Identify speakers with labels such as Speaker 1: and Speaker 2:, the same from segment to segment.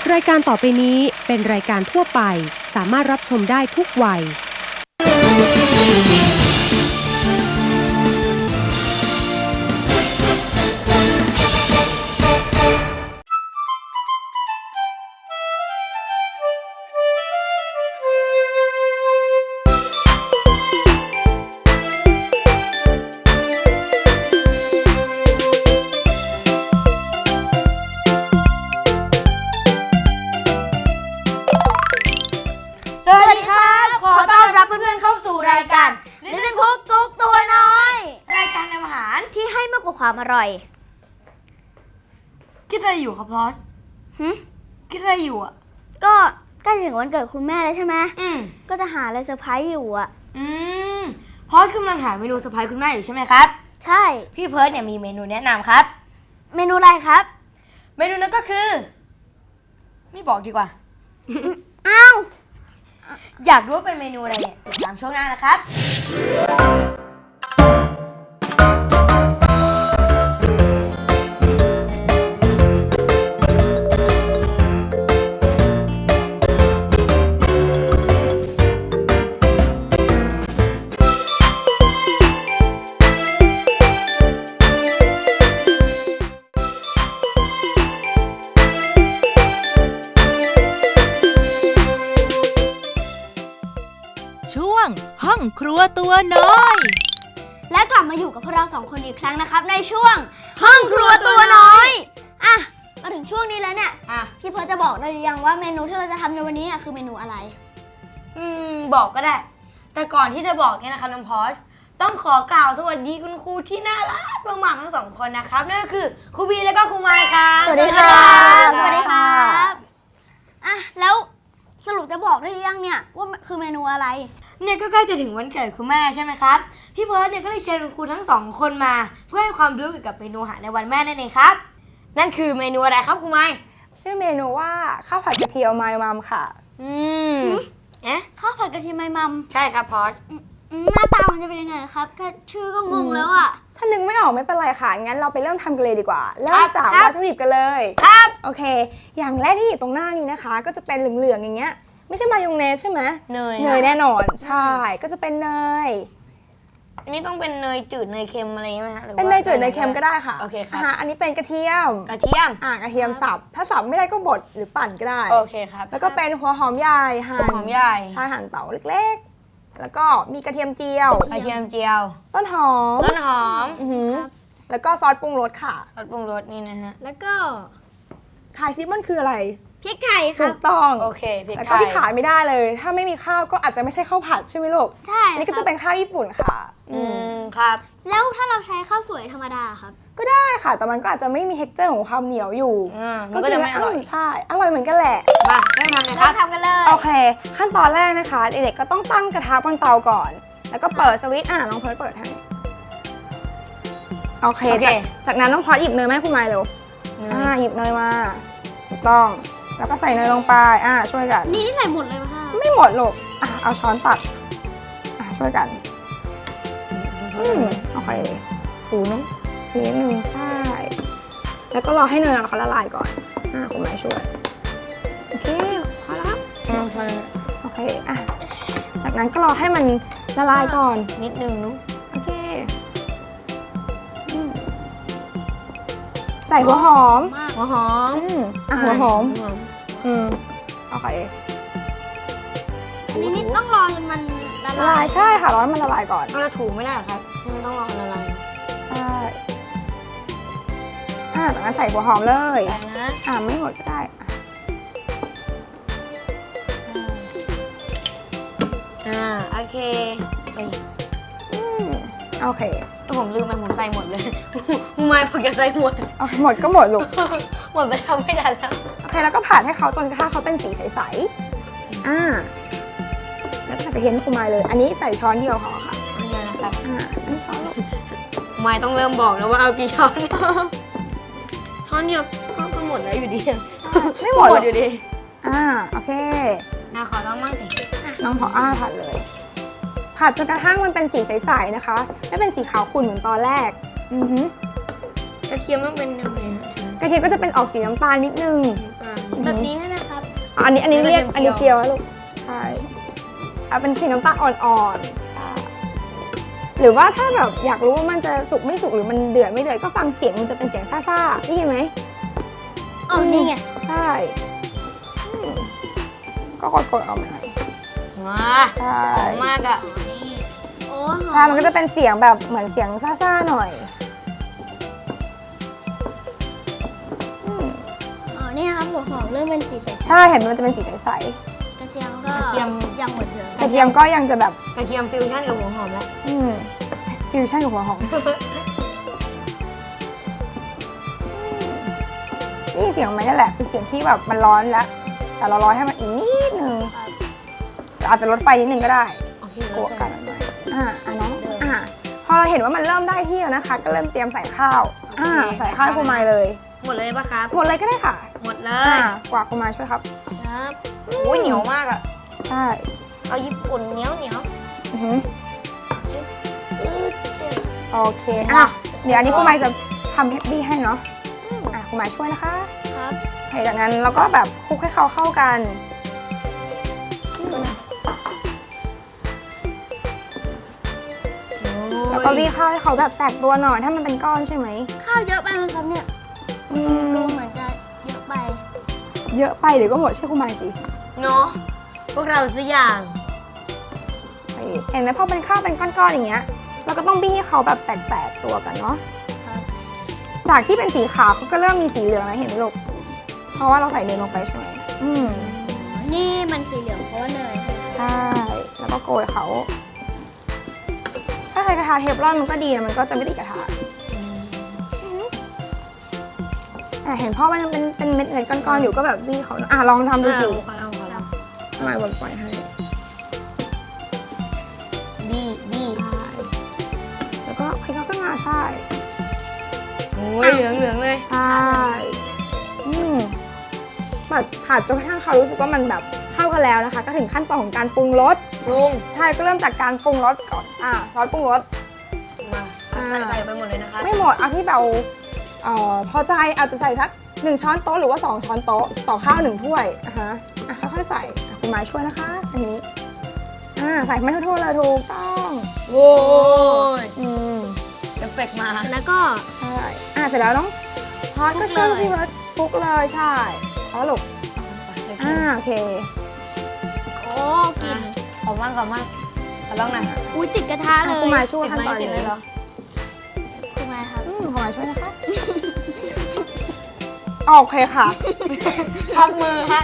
Speaker 1: รายการต่อไปนี้เป็นรายการทั่วไปสามารถรับชมได้ทุกวัย
Speaker 2: รายการLittle Cook กุ๊กตัวน้อยรายการทำอาหารที่ให้มากกว่าความอร่อย
Speaker 3: คิดอะไรอยู่ครับพอสคิดอะไรอยู่อ่ะ
Speaker 2: ก็ใกล้ถึงวันเกิดคุณแม่แล้วใช่ไหมก็จะหาอะไรเซอร์ไพรส์อยู่อ่ะ
Speaker 3: พอสกำลังหาเมนูเซอร์ไพรส์คุณแม่อยู่ใช่ไหมครับ
Speaker 2: ใช่
Speaker 3: พี่เพิร์ดเนี่ยมีเมนูแนะนำครับ
Speaker 2: เมนูอะไรครับ
Speaker 3: เมนูนั้นก็คือไม่บอกดีกว่า
Speaker 2: อ้าว
Speaker 3: อยากรู้ว่าเป็นเมนูอะไรเนี่ยติดตามช่วงหน้านะครับ
Speaker 4: ช่วงห้องครัวตัวน้อย
Speaker 2: และกลับมาอยู่กับพวกเราสองคนอีกครั้งนะครับในช่วงห้องครัวตัวน้อยอ่ะมาถึงช่วงนี้แล้วเนี่ยพี่เพิร์ทจะบอกได้หรือยังว่าเมนูที่เราจะทำในวันนี้เนี่ยคือเมนูอะไร
Speaker 3: บอกก็ได้แต่ก่อนที่จะบอกเนี่ยนะคะน้องพอสต้องขอกล่าวสวัสดีคุณครูที่น่ารักมากๆทั้งสองคนนะครับนั่นก็คือครูบีและก็ครูไมค์ค่ะ
Speaker 2: สวัสดีค่ะสวัสดีครับอ่ะแล้วสรุปจะบอกได้หรือยังเนี่ยว่าคือเมนูอะไร
Speaker 3: เนี่ยก็ใกล้จะถึงวันเกิดคุณแม่ใช่ไหมครับพี่เพิร์ทเนี่ยก็เลยเชิญคุณครูทั้งสองคนมาเพื่อให้ความรู้เกี่ยวกับเมนูอาหารในวันแม่นั่นเองครับนั่นคือเมนูอะไรครับครูไมค์
Speaker 5: ชื่อเมนูว่าข้าวผัดกระเทียมไมมัมค่ะ
Speaker 2: ข้าวผัดกระเทียมไมมัม
Speaker 3: ใช่ครับพอส
Speaker 2: หน้าตามันจะเป็นยังไงครับแค่ชื่อก็งงแล้วอ่ะ
Speaker 5: ถ้านึกไม่ออกไม่เป็นไรค่ะงั้นเราไปเริ่มทำกันเลยดีกว่าเริ่มจากวัตถุดิบกันเลย
Speaker 3: ครับ
Speaker 5: โอเคอย่างแรกที่อยู่ตรงหน้านี้นะคะก็จะเป็นเหลืองๆอย่างเงี้ยไม่ใช่มายองเนสใช่ไหม
Speaker 3: เน
Speaker 5: ยแน่นอนใช่ก็จะเป็นเนย
Speaker 3: อันนี้ต้องเป็นเนยจืดเนยเค็มอะไรไหมคะ
Speaker 5: เป็นเนยจืดเนยเค็มก็ได้ค่ะ
Speaker 3: โอเคครับ
Speaker 5: อันนี้เป็นกระเทียม
Speaker 3: กระเทียม
Speaker 5: สับถ้าสับไม่ได้ก็บดหรือปั่นก็ได้
Speaker 3: โอเคครับ
Speaker 5: แล้วก็เป็นหัวหอมใหญ่หั่น
Speaker 3: หอมใหญ่
Speaker 5: ใช่หั่นเต๋าเล็กๆแล้วก็มีกระเทียมเจียวต้นหอมแล้วก็ซอสปรุงรสค่ะ
Speaker 3: ซอสปรุงรสนี่นะฮะ
Speaker 2: แล้วก็
Speaker 5: ทายซิมันคืออะไร
Speaker 2: พริกไทยครับ
Speaker 5: ถูกต้อง
Speaker 3: โอเคพริกไทย
Speaker 5: แล้วก็ที่ขาดไม่ได้เลยถ้าไม่มีข้าวก็อาจจะไม่ใช่ข้าวผัดใช่ไหมลูก
Speaker 2: ใช่
Speaker 5: นี่ก็จะเป็นข้าวญี่ปุ่นค่ะ
Speaker 3: ครับ
Speaker 2: แล้วถ้าเราใช้ข้าวสวยธรรมดาครับ
Speaker 5: ก็ได้ค่ะแต่มันก็อาจจะไม่มีเท็กเจอร์ของความเหนียวอยู่
Speaker 3: มันก็จะไม่อร่อย
Speaker 5: ใช่อร่อยเหมือนกันแหละ
Speaker 3: มาเริ่มทำเลยครับ
Speaker 2: ทำกันเลย
Speaker 5: โอเคขั้นตอนแรกนะคะเด็กๆก็ต้องตั้งกระทะบนเตาก่อนแล้วก็เปิดสวิตช์น้องเพิร์ทเปิดให้โอเคจากนั้นน้องพอหยิบเนยมาให้คุณไมค์เร็วหยิบเนยมาถูกต้องแล้วก็ใส่เนยลงไปช่วยกัน
Speaker 2: นี่ใส่หมดเลยไหมคะ
Speaker 5: ไม่หมดลูกเอาช้อนตักช่วยกันโอเคถูนิดนึงใช่แล้วก็รอให้เนยเขาละลายก่อนคุณแม่ช่วยโอเคพอแล้วโอเคจากนั้นก็รอให้มันละลายก่อน
Speaker 3: นิดนึงนุ๊ก
Speaker 5: โอเคใส่หัวหอม
Speaker 3: หัวหอม
Speaker 5: โอเค
Speaker 2: อันนี้นี่ต้องรอจนมันละลาย
Speaker 5: ใช่ค่ะรอให้มันละลายก่อน
Speaker 3: เราถูไม่ได้หรอครับที่มันต้องรอละลาย
Speaker 5: ใช่จากนั้นใส่หัวหอมเลย
Speaker 3: ใส่นะ
Speaker 5: ไม่หมดก็ได้
Speaker 3: โอเค
Speaker 5: โอเค
Speaker 3: ตัวผมลืมผมใส่หมดเลยมูไม้บอกจะใส่หมด
Speaker 5: หมดก็หมดลูก
Speaker 3: หมดไปทำไม่ทันแล้ว
Speaker 5: โอเคแล้วก็ผัดให้เขาจนกระทั่งเขาเป็นสีใสๆแล้วก็ใส่กระเทียมให้คุณไมค์เลยอันนี้ใส่ช้อนเดียวพอค่ะ
Speaker 3: อันนี้นะครับ
Speaker 5: อันนี้ช้อนลูก
Speaker 3: ไมค์ต้องเริ่มบอกแล้วว่าเอากี่ช้อนช้อนเดียวก็หมดแล้วอยู่ดี
Speaker 5: ไม่หมด
Speaker 3: อยู่ดี
Speaker 5: โอเค
Speaker 3: ขอลองมั่งสิ
Speaker 5: น้องพอผัดเลยผัดจนกระทั่งมันเป็นสีใสๆนะคะไม่เป็นสีขาวขุ่นเหมือนตอนแรก
Speaker 3: กระเทียมมันเป็นยังไง
Speaker 5: กระเทียมก็จะเป็นออกสีน้ำตาลนิดนึง
Speaker 2: แบบนี้ใช่ไหมครับ
Speaker 5: อันนี้เรียกอันนี้เจียวนะลูกใช่เอาเป็นสีน้ำตาลอ่อนๆใช่หรือว่าถ้าแบบอยากรู้ว่ามันจะสุกไม่สุกหรือมันเดือดไม่เดือดก็ฟังเสียงมันจะเป็นเสียงซ่าๆได้ยินไหม
Speaker 2: อ๋อ นี่ไง
Speaker 5: ใช่ก็กดๆออกมาหน่อย
Speaker 3: มา
Speaker 5: ใช่
Speaker 3: หอมมากอ่ะ
Speaker 2: โอ้
Speaker 5: ใช่มันก็จะเป็นเสียงแบบเหมือนเสียงซ่าๆหน่อย
Speaker 2: อ๋อ นี่ครับหัวหอมเริ่มเป็นสีใส
Speaker 5: ใช่เห็นมันจะเป็นสีใส
Speaker 2: ๆกระเทียมก็
Speaker 3: กระเทียม
Speaker 2: ยังเหมือนเดิม
Speaker 5: ๆกระเทียมก็ยังจะแบบ
Speaker 3: กระเทียมฟิวชั่นกับหัวหอมแล้ว
Speaker 5: ฟิวชั่นกับหัวหอม นี่เสียงมันนี่แหละเป็นเสียงที่แบบมันร้อนแล้ว แต่เราร้อนให้มันอีกนิดนึงอาจจะลดไฟนิดนึงก็ได้
Speaker 3: โอเค
Speaker 5: กลัวกันหน่อยน้องพอเราเห็นว่ามันเริ่มได้ที่แล้วนะคะ ก็เริ่มเตรียมใส่ข้าวใส่ข้าวให้ครูมายเลย
Speaker 3: หมดเลยปะครับ
Speaker 5: หมดเลยก็ได้ค่ะ
Speaker 3: หมดเล
Speaker 5: อ่าย กว่าครูมายช่วยครับ
Speaker 3: ครับอุ้ยเหนียวมากอ่ะ
Speaker 5: ใช่
Speaker 3: เอาญี่ปุ่นเหนียว
Speaker 5: อือหือโอเคเดี๋ยวอันนี้ครูมายจะทำเฮปปี้ให้เนาะครูมายช่วยนะคะ
Speaker 2: ครับ
Speaker 5: จากนั้นเราก็แบบคลุกให้เขาเข้ากัน แล้วก็รีดข้าวให้เขาแบบแตกตัวหน่อยถ้ามันเป็นก้อนใช่ไหม
Speaker 2: ข้าวเยอะไปไหมครับเนี่ย
Speaker 5: อื
Speaker 2: ดู
Speaker 5: ม
Speaker 2: เหมือนจะเยอะไป
Speaker 5: เยอะไปเดี๋ยวก็หมดเชื่อครูมายสิ
Speaker 3: เนาะพวกเราสักอย่าง
Speaker 5: เห็นไหมพอเป็นข้าวเป็นก้อนๆอย่างเงี้ยเราก็ต้องบี้ให้เขาแบบแตกๆตัวกันเนาะ
Speaker 2: ครับ
Speaker 5: จากที่เป็นสีขาวเขาก็เริ่มมีสีเหลืองแล้วเห็นไหมลูกเพราะว่าเราใส่เนยลงไปใช่ไหม
Speaker 2: นี่มันสีเหลืองเพราะว่าเนยใช่ไหม
Speaker 5: ใช่ แล้วก็โกยเขา ถ้าใช้กระทะเทฟลอนมันก็ดีนะมันก็จะไม่ติดกระทะเห็นพ่อมันยังเป็นเม็ดเนยก้อนๆอยู่ก็แบบบี้เขาลองทำดูสิ
Speaker 3: เอา
Speaker 5: ทำไมบนปล่อยให้
Speaker 3: บี้
Speaker 5: แล้วก็คลิกเขาขึ้นมาใช่
Speaker 3: โอ้ยเหลืองเลย
Speaker 5: ใช่ผัดจนกระทั่งเขารู้สึกว่ามันแบบเข้ากันแล้วนะคะ ก็ถึงขั้นตอนของการปรุงรส
Speaker 3: ลุง
Speaker 5: ใช่ก็เริ่มจากการปรุงรสก่อนซอสปรุงรส
Speaker 3: มาใส่ไปหมดเลยนะคะ
Speaker 5: ไม่หมดเอาที่เราพอใจอาจจะใส่สัก1 ช้อนโต๊ะหรือว่า2 ช้อนโต๊ะต่อข้าว1 ถ้วยค่อยๆใส่คุณหมายช่วยนะคะอันนี้ใส่ไม่ทั่วๆเลยถูกต้อง
Speaker 3: โว้ย
Speaker 5: เอฟเฟกต์มา
Speaker 2: แล้วก็
Speaker 5: ใช่เสร็จแล้วน้องพอสก็ช่วยพี่เบิร์ดคลุกเลยใช่พอลูกโอเค
Speaker 2: โอ้กลิ่น
Speaker 3: หอมมากขอลองหน่อย
Speaker 2: อุ้ยติดกระทะเลย
Speaker 5: คุณหมายช่วยขั้นตอน
Speaker 3: ติด
Speaker 5: นี้
Speaker 3: เลยเหรอ
Speaker 2: คุณมายครับ
Speaker 5: คุณหมายช่วยนะคะโอเคค่ะ
Speaker 3: พับมือฮะ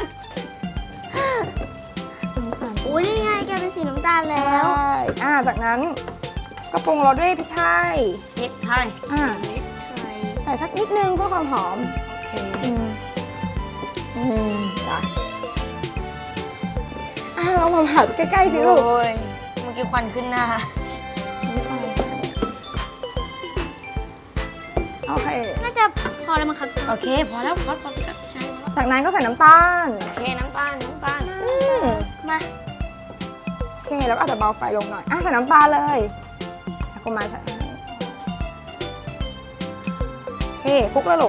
Speaker 2: อุ้ยนี่ไงแกเป็นสีน้ำตาลแล้ว
Speaker 5: ใช่จากนั้นก็ปรุงรสด้วยพริกไทย
Speaker 3: พริกไทย
Speaker 5: ใส่สักนิดนึงเพื่อความหอม
Speaker 3: โอเค
Speaker 5: จ้ะเรามาผัดใกล้ๆสิลูก
Speaker 3: โอ้ยเมื่อกี้ควันขึ้นหน้า
Speaker 5: โอเค
Speaker 2: น่าจะพอแล้วมั้งครับ
Speaker 3: โอเค พอแล้วพอใช่
Speaker 5: จากนั้นก็ใส่น้ำตาล
Speaker 3: โอเค น้ำตาล
Speaker 2: มา
Speaker 5: โอเค แล้วก็อาจจะเบาไฟลงหน่อยใส่น้ำตาลเลยกูมาใส่ให้โอเคคลุกแล้วลูก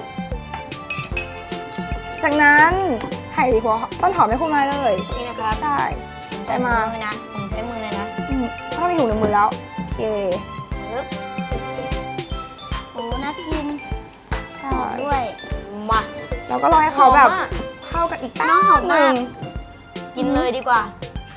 Speaker 5: จากนั้นไข่หัวต้นหอมให้คุณมาเลย
Speaker 3: นี่นะครับ
Speaker 5: ใช่ใส่มา
Speaker 3: นะผมใช้มือเลยนะ
Speaker 5: เพราะเรามีถุงในมือแล้ว โอเค
Speaker 3: ปึ๊บ
Speaker 2: โอ้น่ากิน
Speaker 5: ใช่
Speaker 2: ด้วย
Speaker 3: มา
Speaker 5: แล้วก็รอให้เขาแบบ
Speaker 3: หอมอะ
Speaker 5: เข้ากันอีกแป๊
Speaker 3: น้องหอบ ม
Speaker 5: ห
Speaker 3: มาก
Speaker 5: นึ่ง
Speaker 3: กินเลยดีกว่า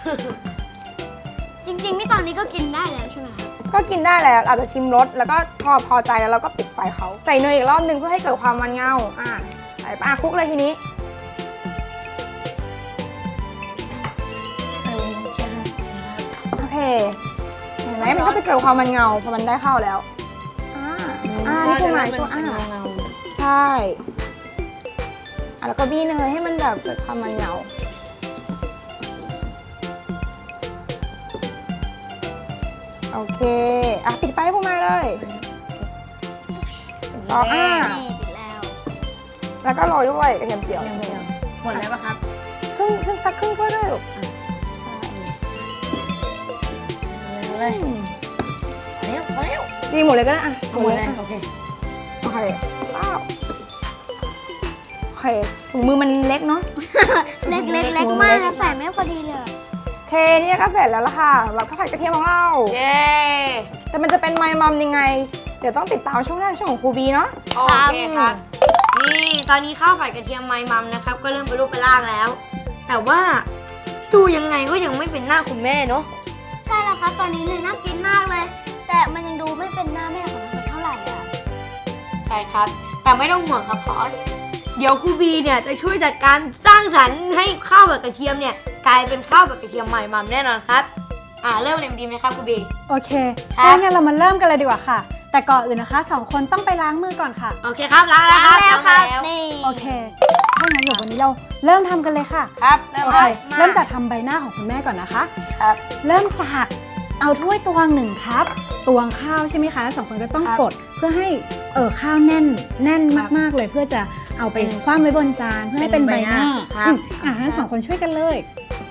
Speaker 2: จริงๆนี่ตอนนี้ก็กินได้แล้วใช่ไหมครับ
Speaker 5: ก็กินได้แล้วอาจจะชิมรสแล้วก็พอใจแล้วเราก็ปิดไฟเขาใส่เนยอีกรอบนึงเพื่อให้เกิดความมันเงาใส่คลุกเลยทีนี้โอเคเห็นไหมมันก็จะเกิดความมันเงาพอมันได้เข้าแล้วนี่คือหมายช่วยใช่แล้วก็บี้เนยให้มันแบบเกิดความมันเงาโอเคปิดไฟให้พวกมาเลยต่อ
Speaker 2: นี่ปิดแล้ว
Speaker 5: แล้วก็โรยด้วยกระเทียมเจียว
Speaker 3: หมดแล้วปะครับ
Speaker 5: สักครึ่งถ้วยด้วยลูก
Speaker 3: เลยพอแล้ว
Speaker 5: จีหมดเลยก็ได้
Speaker 3: หมดเลยโอเค
Speaker 5: โอเคว้าวเคถุงมือมันเล็กเนาะ
Speaker 2: เล็กมากนะใส่ไม่พอดีเลย
Speaker 5: โอเคนี่ก็เสร็จแล้วล่ะค่ะสำหรับข้าวผัดกระเทียมของเรา
Speaker 3: เย้
Speaker 5: แต่มันจะเป็นไมมัมยังไง เดี๋ยวต้องติดตามช่วงหน้าช่วงของครูบีเนาะ
Speaker 3: โอเคครับนี่ตอนนี้ข้าวผัดกระเทียมไมมัมนะครับก็เริ่มเป็นรูปเป็นร่างแล้ว แต่ว่าดูยังไงก็ยังไม่เป็นหน้าคุณแม่เนาะ
Speaker 2: ใช่แล้วครับตอนนี้เลยน่ากินมากเลย แต่มันยังดูไม่เป็นหน้าแม่ของเราสักเท่าไหร่อ่ะ
Speaker 3: ใช่ครับ แต่ไม่ต้องห่วงครับพอสเดี๋ยวครูบีเนี่ยจะช่วยจัดการสร้างสรรค์ให้ข้าวผัดกระเทียมเนี่ยกลายเป็นข้าวผัดกระเทียมไมมัมแน่นอนครับเริ่มเลยดีไหมครับครูบี
Speaker 6: โอเค
Speaker 3: ครับ
Speaker 6: ถ้างั้นเรามาเริ่มกันเลยดีกว่าค่ะ แต่ก่อนอื่นนะคะสองคนต้องไปล้างมือก่อนค่ะ
Speaker 3: โอเคครับล้างแล้วครับ
Speaker 2: แล้วครับ
Speaker 3: ล้างแล้ว
Speaker 2: นี่
Speaker 6: โอเคถ้างั้นเดี๋ยววันนี้เราเริ่มทำกันเลยค่ะ
Speaker 3: ครับเริ่ม
Speaker 6: โอ
Speaker 3: เล
Speaker 6: เค
Speaker 3: ย
Speaker 6: เริ่มจากทำใบหน้าของคุณแม่ก่อนนะคะ
Speaker 3: ครับ
Speaker 6: เริ่มจากเอาถ้วยตวง1 คัพตวงข้าวใช่ไหมคะแล้วสองคนก็ต้อง
Speaker 3: ครับ
Speaker 6: กดเพื่อให้ข้าวแน่นมากๆเลย เพื่อจะเอาไปคว่ำไว้บนจานเพื่อให้เป็นใบหน้า
Speaker 3: ครับ
Speaker 6: งั้นสองคนช่วยกันเลย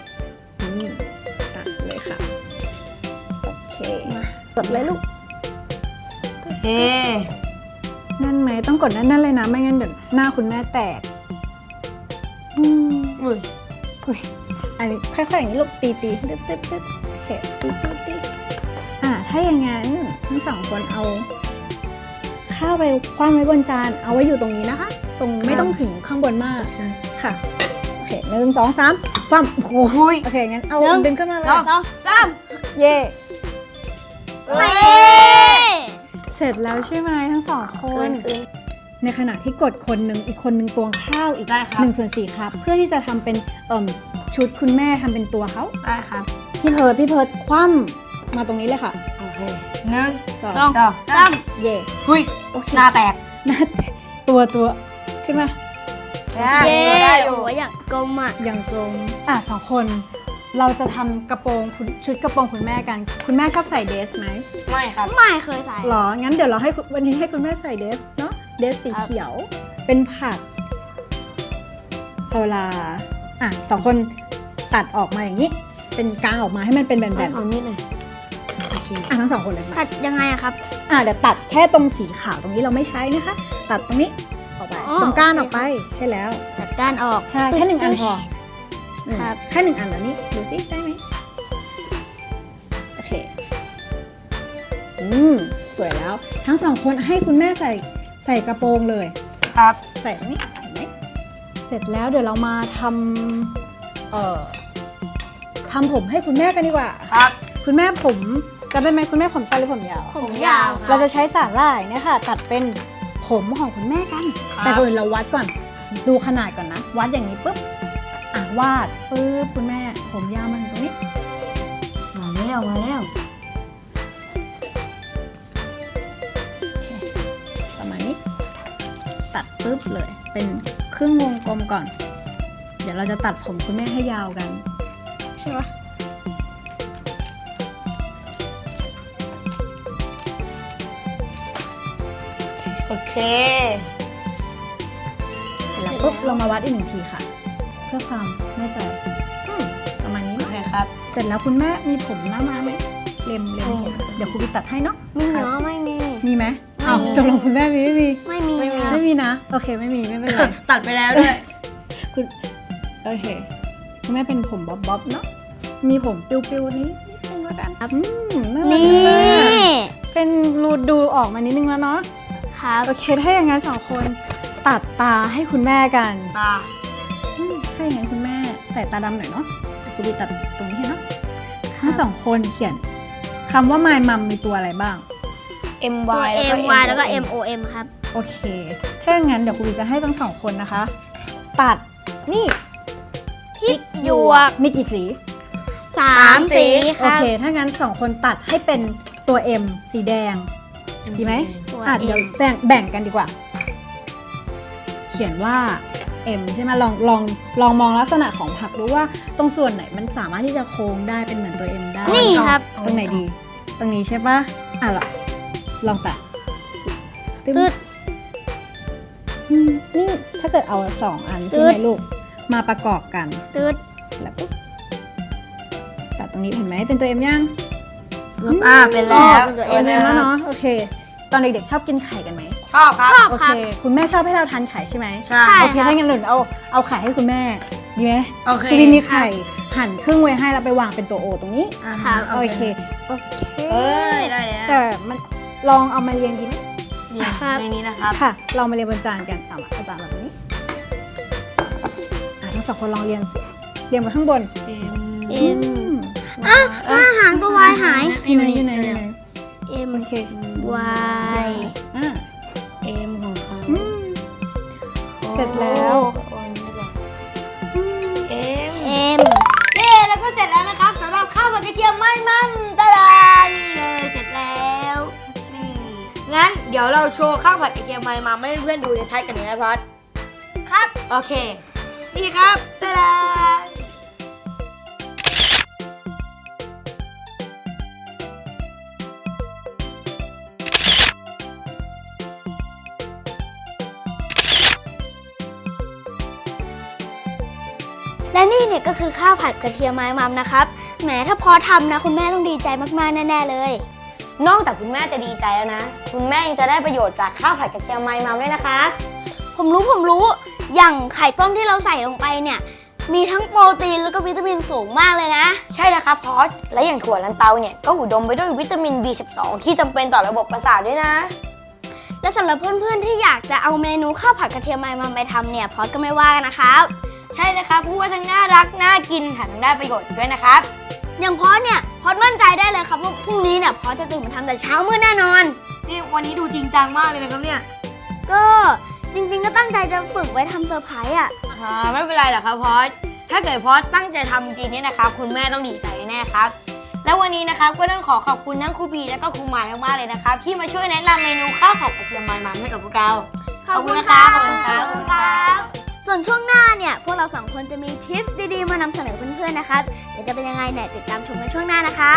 Speaker 6: ตัดเลยค่ะโอเคกดเลยลูก
Speaker 3: เอ๊ะ
Speaker 6: แน่นไหมต้องกดแน่นๆเลยนะไม่งั้นเดี๋ยวหน้าคุณแม่แตก
Speaker 3: อุ้ย
Speaker 6: อุ๊ยอันนี้ค่อยๆอย่างนี้ลูกตีตึ๊ดโอเคตีถ้าอย่างนั้นทั้งสองคนเอาข้าวไปคว่ำไว้บนจานเอาไว้อยู่ตรงนี้นะคะ ตรงไม่ต้องถึงข้างบนมากค่ะโอเค1 2 3คว่ำโอ้โหโอเคงั้นเอาดึงขึ้นมาเลย
Speaker 2: 2
Speaker 6: เย่
Speaker 2: 3นี่
Speaker 6: เสร็จแล้วใช่ไหมทั้งสองคน ในขณะที่กดคนหนึ่งอีกคนหนึ่งตวงข้าวอีก
Speaker 3: ได้ครับ
Speaker 6: 1/4 ครับเพื่อที่จะทำเป็นชุดคุณแม่ทำเป็นตัวเขา
Speaker 3: ได้ครับ
Speaker 6: พี่เพิร์ดคว่ำมาตรงนี้เลยค่ะ
Speaker 3: โอเคหนึ่ง
Speaker 6: สอง
Speaker 3: สอง
Speaker 6: เย่
Speaker 3: หุ้ย
Speaker 6: โอเค
Speaker 3: หน้าแตก
Speaker 6: หน้าแตกตัวขึ้นมา
Speaker 2: เย้
Speaker 3: ได้อยู่
Speaker 2: โอ้ยอย่างกลมอ่ะ
Speaker 6: อย่างตรงสองคนเราจะทำกระโปรงชุดกระโปรงคุณแม่กัน คุณแม่ชอบใส่เดรสไหม
Speaker 3: ไม่ครับ
Speaker 2: ไม่เคยใส่
Speaker 6: หรองั้นเดี๋ยวเราให้วันนี้ให้คุณแม่ใส่เดรสเนาะเดรสสีเขียวเป็นผักพอเวลาสองคนตัดออกมาอย่างนี้ เป็นกลางออกมาให้มันเป็นแบน
Speaker 3: เอามีดหน่อยโอเค
Speaker 6: ๆทั้งสองคนเลยมา
Speaker 2: ตัดยังไงอะครับ
Speaker 6: เดี๋ยวตัดแค่ตรงสีขาวตรงนี้เราไม่ใช้นะคะ ตัดตรงนี้ออกไป
Speaker 2: อ๋อ
Speaker 6: ตรงก้านออกไปใช่แล้ว
Speaker 2: ตัดก้านออก
Speaker 6: ใช่แค่1 อันพอ
Speaker 2: ครับ
Speaker 6: แค่1 อันแล้วนี่ดูสิได้ไหมโอเคสวยแล้วทั้งสองคนให้คุณแม่ใส่กระโปรงเลย
Speaker 3: ครับ
Speaker 6: ใส่ตรงนี้เห็นไหมเสร็จแล้วเดี๋ยวเรามาทำผมให้คุณแม่กันดีกว่า
Speaker 3: ครับ
Speaker 6: คุณแม่ผมจำได้ไหมคุณแม่ผมสั้นหรือผมยาว
Speaker 2: ผมยาว
Speaker 6: เราจะใช้สาหร่ายเนี่ยค่ะตัดเป็นผมของคุณแม่กัน แต่ก่อนอื่นเราวัดก่อนดูขนาดก่อนนะ วัดอย่างนี้ปุ๊บวาดปุ๊บคุณแม่ผมยาวมาถึงตรงนี้
Speaker 3: มาแล้ว
Speaker 6: โอเคประมาณนี้ ตัดปุ๊บเลยเป็นครึ่งวงกลมก่อน เดี๋ยวเราจะตัดผมคุณแม่ให้ยาวกันใช่ปะ
Speaker 3: โอเค
Speaker 6: เสร็จแล้วปุ๊บเรามาวัดอีก1 ทีค่ะ เพื่อความแน่ใจประมาณนี้
Speaker 3: โอ
Speaker 6: มั้ย
Speaker 3: เคครับ
Speaker 6: เสร็จแล้วคุณแม่มีผมหน้าม้าไหมเล็มผมเดี๋ยวครูบีตัดให้เนาะ
Speaker 2: ไม่เหรอไม่มี
Speaker 6: มีไหม
Speaker 2: ไม่มี
Speaker 6: ตกลงคุณแม่มีไม่มี
Speaker 2: ไม่มี
Speaker 3: ไม่มี
Speaker 2: ครับ
Speaker 6: ไม่มีนะโอเคไม่มีไม่เป็นไร
Speaker 3: ตัดไปแล้วด้วย
Speaker 6: โอเคคุณแม่เป็นผมบ๊อบเนาะมีผมปิวๆนี้นิดนึงแล้วกันน่ารัก
Speaker 2: นี่
Speaker 6: จังเลยอะเป็นรูดูออกมานิดนึงแล้วเนาะ
Speaker 2: ครับ
Speaker 6: โอเคถ้าอย่างนั้นสองคนตัดตาให้คุณแม่กัน
Speaker 3: ตา
Speaker 6: ถ้าอย่างนั้นคุณแม่ใส่ตาดำหน่อยเนาะเดี๋ยวครูบีตัดตรงนี้ให้เนาะทั้งสองคนเขียนคำว่า my mom มีตัวอะไรบ้าง
Speaker 2: ตัว
Speaker 3: MY
Speaker 2: MY แล้วก็ MOM ครับ
Speaker 6: โอเค ถ้าอย่างนั้นเดี๋ยวครูบีจะให้ทั้งสองคนนะคะ ตัดนี่
Speaker 2: พริกหยวก
Speaker 6: มีกี่สี
Speaker 2: 3 สีค
Speaker 6: โอ
Speaker 2: รับ
Speaker 6: เค ถ้างั้นสองคนตัดให้เป็นตัว M สีแดง ดีไหม
Speaker 2: ตัว
Speaker 6: เดี๋ยว
Speaker 2: M
Speaker 6: แบ่งกันดีกว่า เขียนว่า M ใช่ไหมลองมองลักษณะของผักดูว่าตรงส่วนไหนมันสามารถที่จะโค้งได้เป็นเหมือนตัว M ได้
Speaker 2: นี่ครับ
Speaker 6: ตรงไหนดี ตรงนี้ใช่ปะลองตัด
Speaker 2: ตึ๊ด
Speaker 6: นี่ถ้าเกิดเอา2 อันใช่ไหมลูกมาประกอบกัน
Speaker 2: ตืด
Speaker 6: เสร็จแล้วปุ๊บตัดตรงนี้เห็นไหมเป็นตัว M ยัง
Speaker 3: เป็นแล้ว
Speaker 2: เป็นตัว
Speaker 6: เป็น
Speaker 2: M
Speaker 6: แล้วเนาะโอเค ตอนเด็กๆชอบกินไข่กันไหม
Speaker 3: ชอบครับ
Speaker 6: โอเค คุณแม่ชอบให้เราทานไข่ใช่ไหม
Speaker 3: ใช่
Speaker 6: โอเคถ้างั้นหนูเอาไข่ให้คุณแม่ดีไหม
Speaker 3: โอเค
Speaker 6: คุณวินมีไข่หั่นครึ่งไว้ให้แล้วไปวางเป็นตัวโอตรงนี้
Speaker 3: ครับ
Speaker 6: โอเคโอเค
Speaker 3: เอ้ยได้แล้ว
Speaker 6: แต่มันลองเอามาเรียงดีไหม
Speaker 3: นี่ในนี้นะครับ
Speaker 6: ค่ะลองมาเรียงบนจานกันเอามาเอาจานแบบนี้ทั้งสองคนลองเรียงสิเรียงมาข้างบน
Speaker 2: เอ็มอาหารตัววายหาย
Speaker 6: อยู่ไหนอยู่ไหนอยู่ไหน
Speaker 2: เอ็ม
Speaker 6: โอเคว
Speaker 2: าย
Speaker 6: อ่ะ
Speaker 3: เอ็มของเขา
Speaker 6: อืมเสร็จแล้ว
Speaker 3: เอ็ม
Speaker 2: เอ็ม
Speaker 3: เย้แล้วก็เสร็จแล้วนะครับสำหรับข้าวผัดกระเทียมไม่มันตะลานี่เลยเสร็จแล้วนี่งั้นเดี๋ยวเราโชว์ข้าวผัดกระเทียมไม่มันให้เพื่อนๆดูในท้ายกันหน่อยนะพอดครับโอเคนี่ครับตะลา
Speaker 2: และนี่เนี่ยก็คือข้าวผัดกระเทียมไม้มัมนะครับแหมถ้าพอทำนะคุณแม่ต้องดีใจมากๆแน่ๆเลย
Speaker 3: นอกจากคุณแม่จะดีใจแล้วนะคุณแม่ยังจะได้ประโยชน์จากข้าวผัดกระเทียมไม่มันด้วยนะคะ
Speaker 2: ผมรู้อย่างไข่ต้มที่เราใส่ลงไปเนี่ยมีทั้งโปรตีนแล้วก็วิตามินสูงมากเลยนะ
Speaker 3: ใช่แล้วครับพอสและอย่างถั่วลันเตาเนี่ยก็อุดมไปด้วยวิตามิน B12 ที่จำเป็นต่อระบบประสาทด้วยนะ
Speaker 2: และสำหรับเพื่อนๆที่อยากจะเอาเมนูข้าวผัดกระเทียมไม้มัมไปทำเนี่ยพอสก็ไม่ว่ากันนะครับ
Speaker 3: ใช่เลยครับพูดว่าทั้งน่ารักน่ากินแถมยังได้ประโยชน์อีกด้วยนะครับ
Speaker 2: อย่างพอสเนี่ยพอสมั่นใจได้เลยครับว่าพรุ่งนี้เนี่ยพอสจะตื่นมาทำแต่เช้ามืดแน่นอน
Speaker 3: นี่วันนี้ดูจริงจังมากเลยนะครับเนี่ย
Speaker 2: ก็จริงๆก็ตั้งใจจะฝึกไว้ทำเซอร์ไพรส์อ่ะ
Speaker 3: ไม่เป็นไรหรอกครับพอสถ้าเกิดพอสตั้งใจทำจริงๆเนี่ยนะครับคุณแม่ต้องดีใจแน่ครับแล้ววันนี้นะครับก็ต้องขอขอบคุณทั้งครูบีและก็ครูหมายมากๆเลยนะครับที่มาช่วยแนะนำเมนูข้าวผัดกระเทียมมันๆให้กับพวกเรา ขอบคุณนะครับขอบคุณครับ
Speaker 2: ขอบคุณครับส่วนช่วงหน้าเนี่ยพวกเราสองคนจะมีทิปดีๆมานำเสนอเพื่อนๆนะครับเดี๋ยวจะเป็นยังไงเนี่ยติดตามชมกันช่วงหน้านะครับ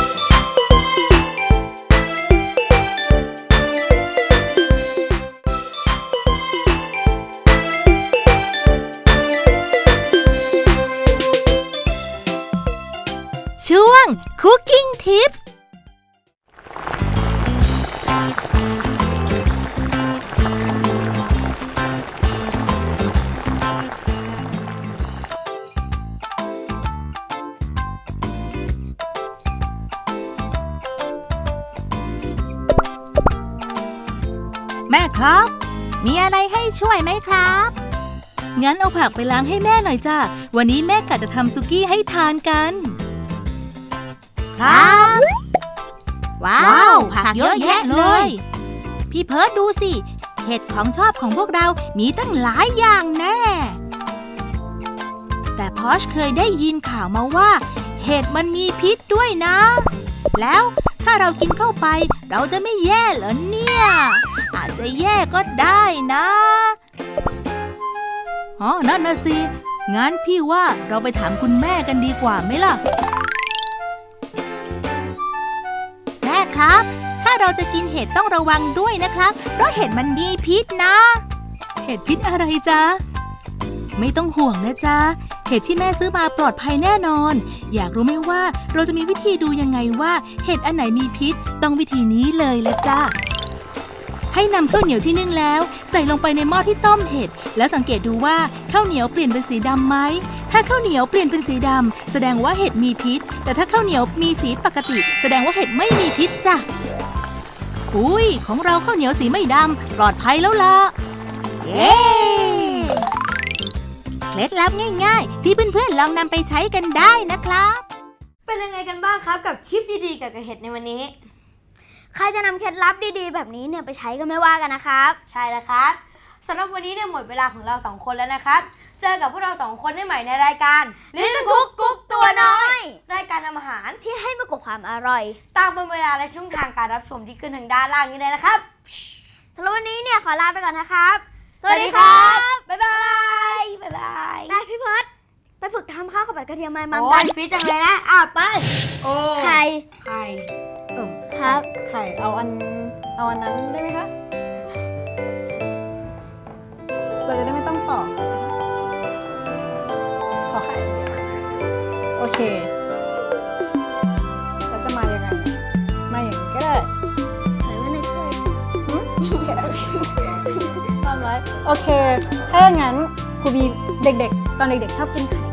Speaker 4: ช่วง Cooking Tips แม่ครับ มีอะไรให้ช่วยไหมครับ งั้นเอาผักไปล้างให้แม่หน่อยจ้าวันนี้แม่กะจะทำซุกี้ให้ทานกัน ครับ ว้าว ผักเยอะแยะเลย พี่เพิร์ดดูสิ เห็ดของชอบของพวกเรามีตั้งหลายอย่างแน่ แต่พอชเคยได้ยินข่าวมาว่า เห็ดมันมีพิษด้วยนะ แล้วถ้าเรากินเข้าไปเราจะไม่แย่เหรอเนี่ย อาจจะแย่ก็ได้นะอ๋อนั่นนะสิ งั้นพี่ว่าเราไปถามคุณแม่กันดีกว่าไหมล่ะ แม่ครับ ถ้าเราจะกินเห็ดต้องระวังด้วยนะครับ เพราะเห็ดมันมีพิษนะ เห็ดพิษอะไรจ๊ะ ไม่ต้องห่วงนะจ๊ะ เห็ดที่แม่ซื้อมาปลอดภัยแน่นอน อยากรู้ไหมว่าเราจะมีวิธีดูยังไงว่าเห็ดอันไหนมีพิษ ต้องวิธีนี้เลยละจ้ะ ให้นำข้าวเหนียวที่นึ่งแล้วใส่ลงไปในหม้อที่ต้มเห็ดแล้วสังเกตดูว่าข้าวเหนียวเปลี่ยนเป็นสีดำไหมถ้าข้าวเหนียวเปลี่ยนเป็นสีดำแสดงว่าเห็ดมีพิษแต่ถ้าข้าวเหนียวมีสีปกติแสดงว่าเห็ดไม่มีพิษจ้ะอุ้ยของเราข้าวเหนียวสีไม่ดำปลอดภัยแล้วล่ะเย้เคล็ดลับง่ายๆที่เพื่อนๆลองนำไปใช้กันได้นะครับ
Speaker 3: เป็นยังไงกันบ้างครับกับชิปดีๆกับเห็ดในวันนี้
Speaker 2: ใครจะนำเคล็ดลับดีๆแบบนี้เนี่ยไปใช้ก็ไม่ว่ากันนะครับ
Speaker 3: ใช่แล้วครับสำหรับวันนี้เนี่ยหมดเวลาของเรา2คนแล้วนะครับเจอกับพวกเรา2คนได้ใหม่ในรายการ Little Cook กุ๊กตัวน้อย รายการทำอาหาร
Speaker 2: ที่ให้มากกว่าความอร่อย
Speaker 3: ตามวันเวลาและช่องทางการรับชมที่ขึ้นทางด้านล่างนี้เลยนะครับ
Speaker 2: สำหรับวันนี้เนี่ยขอลาไปก่อนนะครับ
Speaker 3: สวัสดีครับบ๊ายบายบ๊ายบาย
Speaker 2: ได้พี่เพิร์ดไปฝึกทำข้าวข้าวผัดกระเทียมไม้มัม
Speaker 3: โอ้
Speaker 2: กั
Speaker 3: ย
Speaker 2: น
Speaker 3: ฟิตจังเลยนะไปโอ้
Speaker 2: ไข่
Speaker 3: ไข่
Speaker 2: ครับ
Speaker 6: ไข่เอาอันนั้นได้ไหมคะ เราจะได้ไม่ต้องปอกขอไข่ โอเคแล้วจะมายังไง มาอย่างนี้ก็ได้
Speaker 2: ใส่ไว้ในถ้วย
Speaker 6: โอเคถ้าอย่างนั้นครูบีเด็กๆ ตอนเด็กๆชอบกินไข่